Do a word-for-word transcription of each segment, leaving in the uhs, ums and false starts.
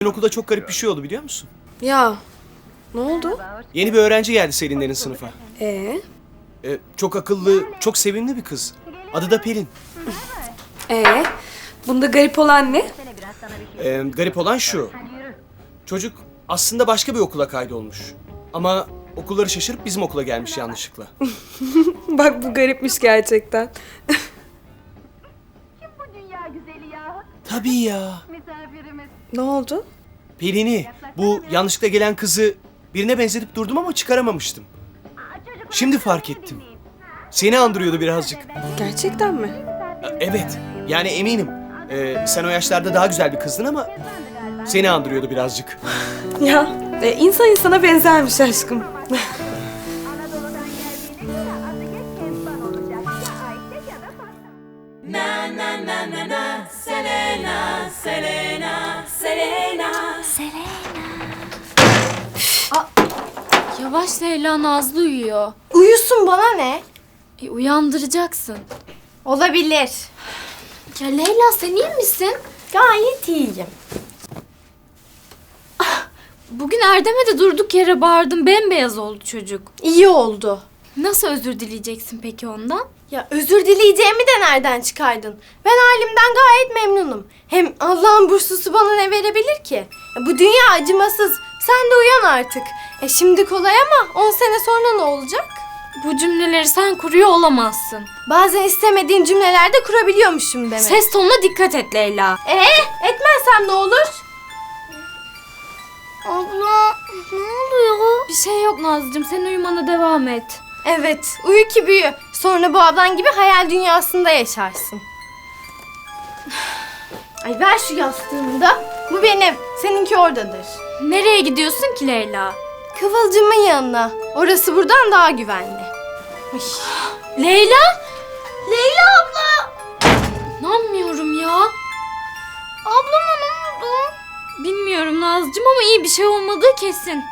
Okulda çok garip bir şey oldu biliyor musun? Ya ne oldu? Yeni bir öğrenci geldi Selinlerin sınıfa. Ee? Ee, çok akıllı, çok sevimli bir kız. Adı da Pelin. Ee? Bunda garip olan ne? Ee, garip olan şu. Çocuk aslında başka bir okula kaydolmuş. Ama okulları şaşırıp bizim okula gelmiş yanlışlıkla. Bak bu garipmiş gerçekten. Kim bu dünya güzeli ya? Tabii ya. Misafirimiz. Ne oldu? Pelin'i, bu yanlışlıkla gelen kızı birine benzetip durdum ama çıkaramamıştım. Şimdi fark ettim. Seni andırıyordu birazcık. Gerçekten mi? Ee, Evet, yani eminim. Ee, sen o yaşlarda daha güzel bir kızdın ama seni andırıyordu birazcık. Ya e, insan insana benzermiş aşkım. Anadolu'dan geldiğine göre adı geç Kezban olacak. Ya Ayşe ya da Fatma. Yavaş Leyla, Nazlı uyuyor. Uyusun, bana ne? E, uyandıracaksın. Olabilir. Ya Leyla, sen iyi misin? Gayet iyiyim. Bugün Erdem'e de durduk yere bağırdım. Bembeyaz oldu çocuk. İyi oldu. Nasıl özür dileyeceksin peki ondan? Ya özür dileyeceğimi de nereden çıkardın? Ben halimden gayet memnunum. Hem Allah'ın burslusu bana ne verebilir ki? Ya bu dünya acımasız. Sen de uyan artık. E şimdi kolay ama on sene sonra ne olacak? Bu cümleleri sen kuruyor olamazsın. Bazen istemediğin cümlelerde kurabiliyormuşum demek. Ses tonuna dikkat et Leyla. Ee, etmezsem ne olur? Abla, ne oluyor? Bir şey yok Nazlıcığım, sen uyumana devam et. Evet, uyu ki büyü. Sonra bu ablan gibi hayal dünyasında yaşarsın. Ay ver şu yastığımı da. Bu benim, seninki oradadır. Nereye gidiyorsun ki Leyla? Kıvılcımın yanına. Orası buradan daha güvenli. Ay. Leyla? Leyla abla! İnanmıyorum ya. Ablama ne oldu? Bilmiyorum Nazlıcığım ama iyi bir şey olmadığı kesin.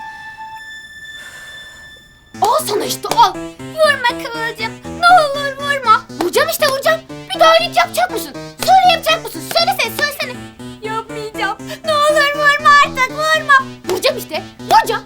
Al sana işte al. Vurma Kıvılcım. Ne olur vurma. Vuracağım işte vuracağım. Bir daha iyilik yapacak mısın? Söyle yapacak mısın? Söylesene söylesene. Yapmayacağım. Ne olur vurma artık vurma. Vuracağım işte. Vuracağım.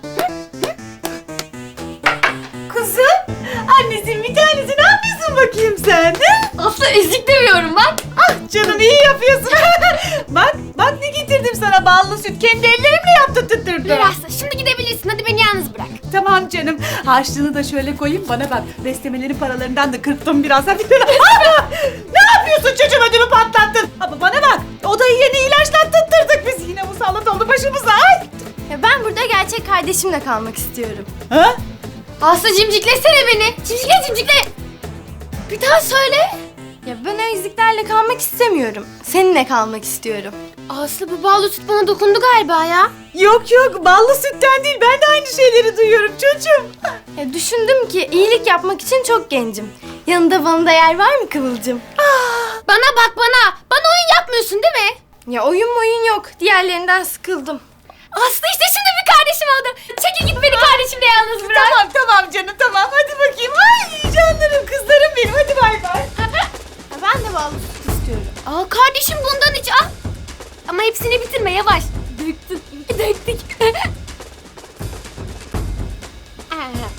Kızım, annesinin bir tanesi ne yapıyorsun bakayım sen? Aslı ezik demiyorum bak. Ah canım iyi yapıyorsun. bak, bak ne getirdim sana ballı süt. Kendi ellerimle yaptım tutturdum. Ver Aslı şimdi gidebilirsin. Hadi beni yalnız bırak. Tamam canım. Harçlığını da şöyle koyayım bana bak. Beslemelerin paralarından da kırptım biraz. Hadi. ne yapıyorsun çocuğum ödümü patlattın. Ama bana bak. Odayı yeni ilaçlattırdık biz. Yine musallat oldu başımıza. Ay. Ya ben burada gerçek kardeşimle kalmak istiyorum. Ha? Aslı cimciklesene beni. Cimcikle cimcikle. Bir daha söyle. Ya ben o eziklerle kalmak istemiyorum. Seninle kalmak istiyorum. Aslı bu ballı süt bana dokundu galiba ya. Yok yok ballı sütten değil. Ben de aynı şeyleri duyuyorum çocuğum. Ya düşündüm ki iyilik yapmak için çok gencim. Yanında bana da yer var mı Kıvılcım? Bana bak bana. Bana oyun yapmıyorsun değil mi? Ya oyun oyun yok. Diğerlerinden sıkıldım. Aslı işte şimdi bir kardeşim oldu. Çekil git beni kardeşimle yalnız bırak. Tamam tamam canım tamam hadi bakayım. Ay canlarım kızlarım benim hadi bay bay. Ya ben de ballı süt istiyorum. Aa kardeşim bundan iç al. Ama hepsini bitirme yavaş. Döktük. Döktük.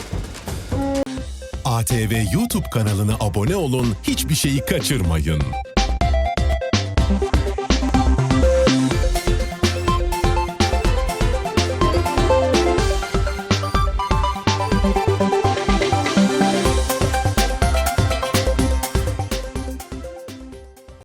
A T V YouTube kanalına abone olun, hiçbir şeyi kaçırmayın.